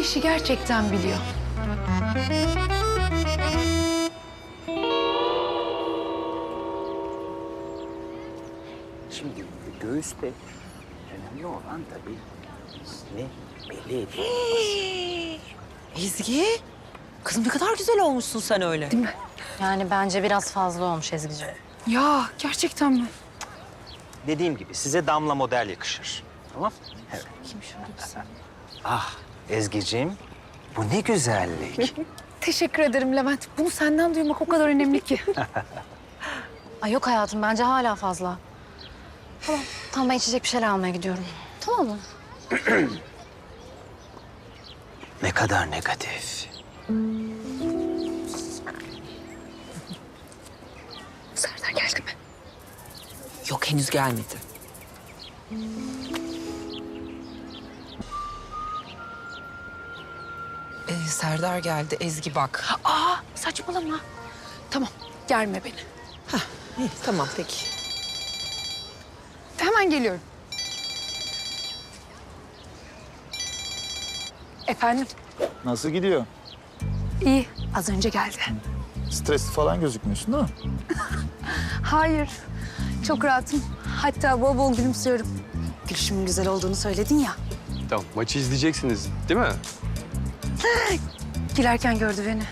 işi gerçekten biliyor. Şimdi göğüste önemli olan tabii ne belli ediyor. Ezgi, kızım ne kadar güzel olmuşsun sen öyle. Değil mi? Yani bence biraz fazla olmuş Ezgi'ciğim. Ya gerçekten mi? Dediğim gibi size damla model yakışır. Tamam? Evet. Kim şöyle bir sen? Ah Ezgi'ciğim, bu ne güzellik. Teşekkür ederim Levent. Bunu senden duymak o kadar önemli ki. Ay yok hayatım, bence hala fazla. Tamam ben içecek bir şeyler almaya gidiyorum. Tamam mı? Ne kadar negatif. Serdar geldi mi? Yok henüz gelmedi. Serdar geldi. Ezgi bak. Aa saçmalama. Tamam germe beni. İyi, tamam peki. Hemen geliyorum. Efendim? Nasıl gidiyor? İyi. Az önce geldi. Stresli falan gözükmüyorsun değil mi? Hayır. Çok rahatım. Hatta bol bol gülümsüyorum. Gülüşümün güzel olduğunu söyledin ya. Tamam, maçı izleyeceksiniz değil mi? Girerken gördü beni.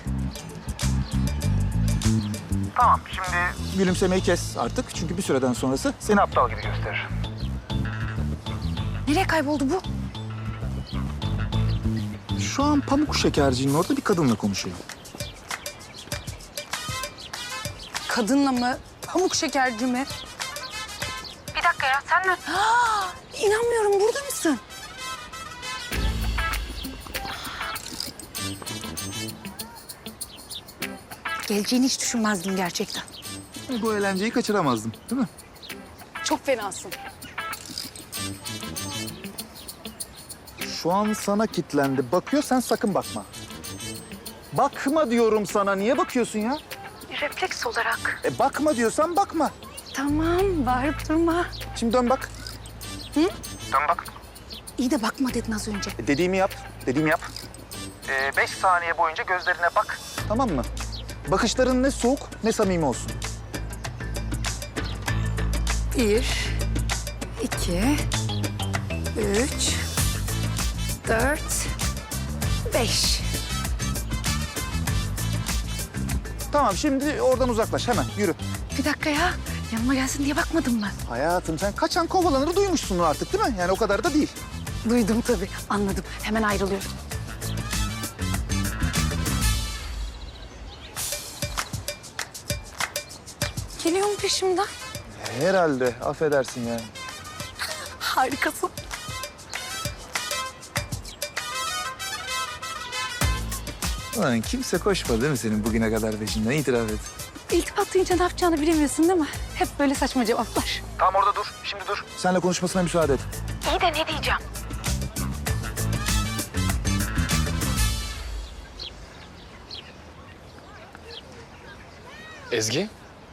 Gülümsemeyi kes artık çünkü bir süreden sonrası seni aptal gibi gösterir. Nereye kayboldu bu? Şu an pamuk şekercinin orada bir kadınla konuşuyor. Kadınla mı? Pamuk şekerci mi? Bir dakika ya sen mi? İnanmıyorum burada mısın? Geleceğini hiç düşünmezdim gerçekten. Bu eğlenceyi kaçıramazdım değil mi? Çok fenasın. Şu an sana kitlendi. Bakıyor sen sakın bakma. Bakma diyorum sana. Niye bakıyorsun ya? Refleks olarak. Bakma diyorsan bakma. Tamam bağırıp durma. Şimdi dön bak. İyi de bakma dedin az önce. Dediğimi yap. Dediğimi yap. 5 saniye boyunca gözlerine bak. Tamam mı? Bakışların ne soğuk ne samimi olsun. 1, 2, 3, 4, 5. Tamam şimdi oradan uzaklaş hemen yürü. Bir dakika ya. Yanıma gelsin diye bakmadın mı? Hayatım sen kaçan kovalanır duymuşsun artık değil mi? Yani o kadar da değil. Duydum tabii. Anladım. Hemen ayrılıyorum. Geliyor mu peşimden? Herhalde affedersin yani. Harikasın. Ulan kimse koşmadı değil mi senin bugüne kadar peşinden? İtiraf et. İltifat duyunca ne yapacağını bilemiyorsun değil mi? Hep böyle saçma cevaplar. Tamam orada dur. Şimdi dur. Seninle konuşmasına müsaade et. İyi de ne diyeceğim? Ezgi,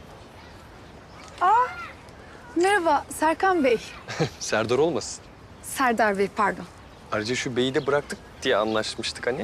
Merhaba Serkan Bey. Serdar olmasın. Serdar Bey pardon. Ayrıca şu beyi de bıraktık diye anlaşmıştık hani.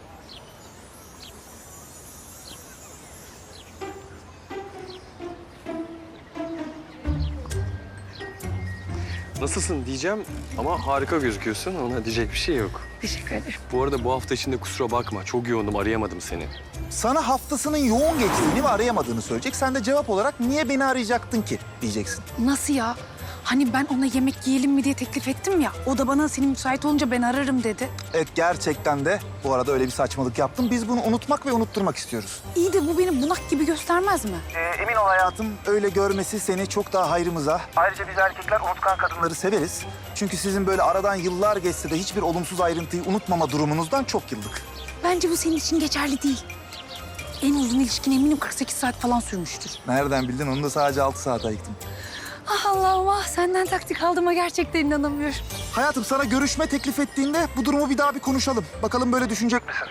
Nasılsın diyeceğim ama harika gözüküyorsun. Ona diyecek bir şey yok. Teşekkür ederim. Bu arada bu hafta içinde kusura bakma. Çok yoğundum, arayamadım seni. Sana haftasının yoğun geçtiğini ve arayamadığını söyleyecek. Sen de cevap olarak niye beni arayacaktın ki diyeceksin. Nasıl ya? Hani ben ona yemek yiyelim mi diye teklif ettim ya. O da bana senin müsait olunca ben ararım dedi. Evet gerçekten de bu arada öyle bir saçmalık yaptım. Biz bunu unutmak ve unutturmak istiyoruz. İyi de bu beni bunak gibi göstermez mi? Emin ol hayatım öyle görmesi seni çok daha hayrımıza. Ayrıca biz erkekler unutkan kadınları severiz. Çünkü sizin böyle aradan yıllar geçse de hiçbir olumsuz ayrıntıyı unutmama durumunuzdan çok yıllık. Bence bu senin için geçerli değil. En uzun ilişkin eminim 48 saat falan sürmüştür. Nereden bildin? Onu da sadece 6 saat ayıktım. Ah Allah'ım ah senden taktik aldığıma gerçekten inanamıyorum. Hayatım sana görüşme teklif ettiğinde bu durumu bir daha bir konuşalım. Bakalım böyle düşünecek misin?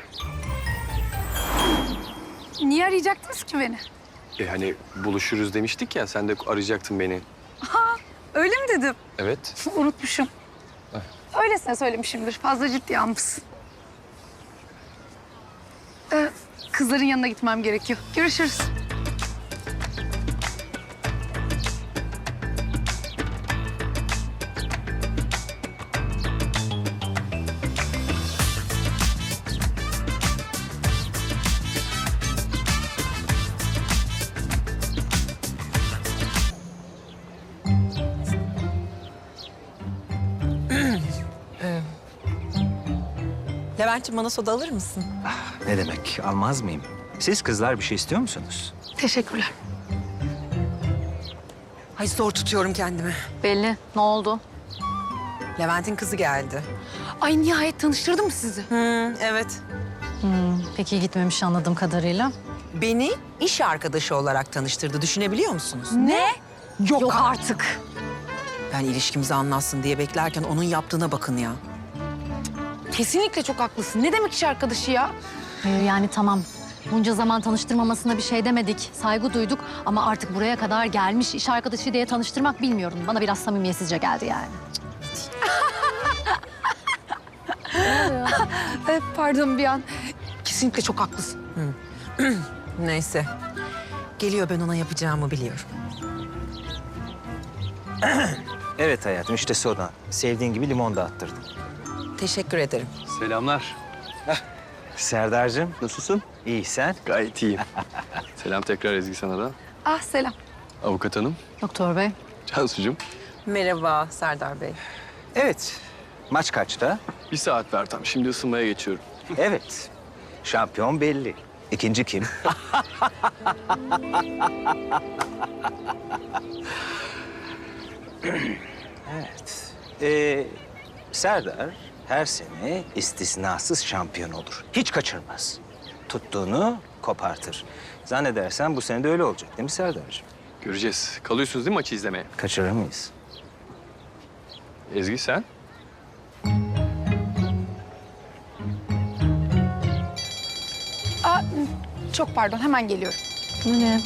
Niye arayacaktınız ki beni? Hani buluşuruz demiştik ya, sen de arayacaktın beni. Öyle mi dedim? Evet. Unutmuşum. Öylesine söylemişimdir. Fazla ciddiye almışsın. kızların yanına gitmem gerekiyor. Görüşürüz. Levent'ciğim bana soda alır mısın? Ne demek, almaz mıyım? Siz kızlar bir şey istiyor musunuz? Teşekkürler. Ay zor tutuyorum kendimi. Belli. Ne oldu? Levent'in kızı geldi. Ay nihayet tanıştırdım mı sizi? Evet. Pek iyi gitmemiş anladığım kadarıyla. Beni iş arkadaşı olarak tanıştırdı. Düşünebiliyor musunuz? Ne? Yok artık. Ben ilişkimizi anlatsın diye beklerken onun yaptığına bakın ya. Kesinlikle çok haklısın. Ne demek iş arkadaşı ya? Hayır yani tamam. Bunca zaman tanıştırmamasına bir şey demedik. Saygı duyduk ama artık buraya kadar gelmiş iş arkadaşı diye tanıştırmak bilmiyorum. Bana biraz samimiyetsizce geldi yani. Pardon bir an. Kesinlikle çok haklısın. Neyse. Geliyor, ben ona yapacağımı biliyorum. Evet hayatım, işte soda. Sevdiğin gibi limon da attırdım. Teşekkür ederim. Selamlar. Serdar'cığım, Nasılsın? iyi sen? Gayet iyiyim. Selam tekrar Ezgi sana da. Ah selam. Avukat hanım, Doktor bey. Cansucuğum. Merhaba Serdar Bey. Evet. Maç kaçta? 1 saat ver tam. Şimdi ısınmaya geçiyorum. Evet. Şampiyon belli. İkinci kim? Evet. Serdar her sene istisnasız şampiyon olur. Hiç kaçırmaz. Tuttuğunu kopartır. Zannedersen bu sene de öyle olacak değil mi Serdar'cığım? Göreceğiz. Kalıyorsunuz değil mi maçı izlemeye? Kaçırır mıyız? Ezgi sen? Aa, çok pardon hemen geliyorum. Bu ne?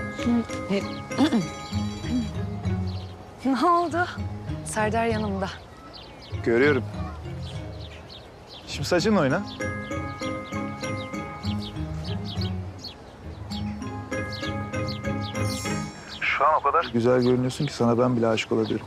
Ne oldu? Serdar yanımda. Görüyorum. Şimdi saçınla oyna. Şu an o kadar güzel görünüyorsun ki sana ben bile aşık olabilirim.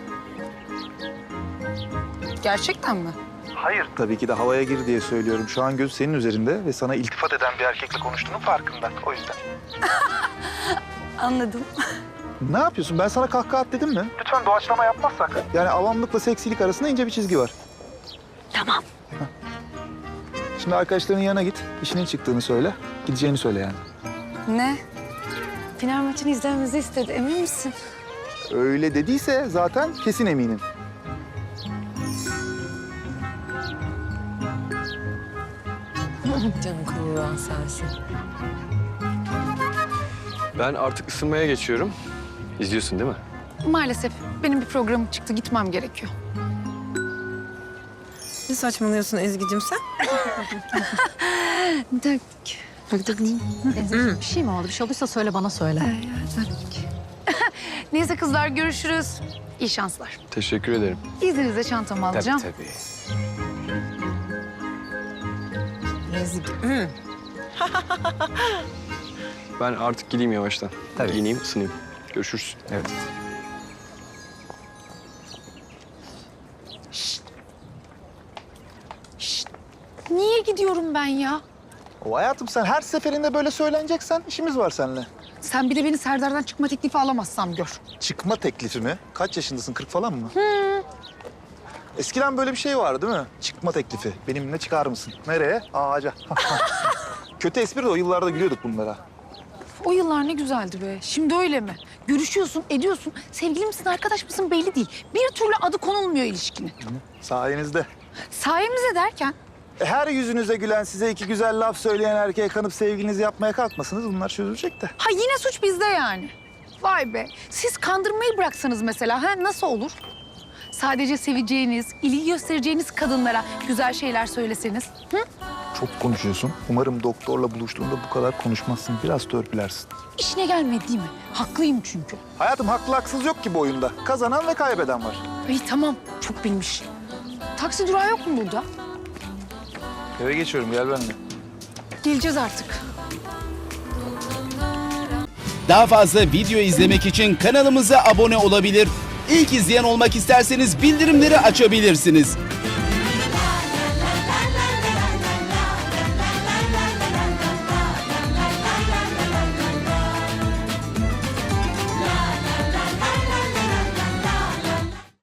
Gerçekten mi? Hayır. Tabii ki de havaya gir diye söylüyorum. Şu an göz senin üzerinde ve sana iltifat eden bir erkekle konuştuğunun farkında. O yüzden. Anladım. Ne yapıyorsun? Ben sana kahkaha at dedim mi? Lütfen doğaçlama yapmazsak. Yani avamlıkla seksilik arasında ince bir çizgi var. Tamam. Şimdi arkadaşlarının yanına git. İşinin çıktığını söyle. Gideceğini söyle yani. Ne? Final maçını izlememizi istedi. Emin misin? Öyle dediyse zaten kesin eminim. Canım kıvıran sensin. Ben artık ısınmaya geçiyorum. İzliyorsun değil mi? Maalesef benim bir programım çıktı. Gitmem gerekiyor. Ne saçmalıyorsun Ezgi'cim sen? Bir şey mi oldu? Bir şey olduysa söyle bana söyle. Neyse kızlar görüşürüz. İyi şanslar. Teşekkür ederim. İzninizle çantamı alacağım. Tabii. Ezgi. Ben artık gideyim yavaştan. Tabii. Giyineyim, ısınayım. Görüşürüz. Evet. Niye gidiyorum ben ya? O hayatım sen her seferinde böyle söyleneceksen işimiz var seninle. Sen bir de beni Serdar'dan çıkma teklifi alamazsam gör. Çıkma teklifi mi? Kaç yaşındasın? 40 falan mı? Eskiden böyle bir şey vardı değil mi? Çıkma teklifi. Benimle çıkar mısın? Nereye? Ağaca. Kötü espri de o yıllarda gülüyorduk bunlara. O yıllar ne güzeldi be. Şimdi öyle mi? Görüşüyorsun, ediyorsun. Sevgili misin, arkadaş mısın belli değil. Bir türlü adı konulmuyor ilişkinin. Sayenizde. Sayemizde derken Her yüzünüze gülen, size iki güzel laf söyleyen erkeğe kanıp sevgilinizi yapmaya kalkmasınız. Bunlar çözülecek de. ha yine suç bizde yani. Vay be. Siz kandırmayı bıraksanız mesela ha nasıl olur? Sadece seveceğiniz, ilgi göstereceğiniz kadınlara güzel şeyler söyleseniz. Hı? Çok konuşuyorsun. Umarım doktorla buluştuğunda bu kadar konuşmazsın. Biraz törpülersin. İşine gelmedi değil mi? Haklıyım çünkü. Hayatım haklı haksız yok ki bu oyunda. Kazanan ve kaybeden var. İyi tamam. Çok bilmiş. Taksi durağı yok mu burada? Eve geçiyorum. Gel benimle. Geleceğiz artık. Daha fazla video izlemek için kanalımıza abone olabilir. İlk izleyen olmak isterseniz bildirimleri açabilirsiniz.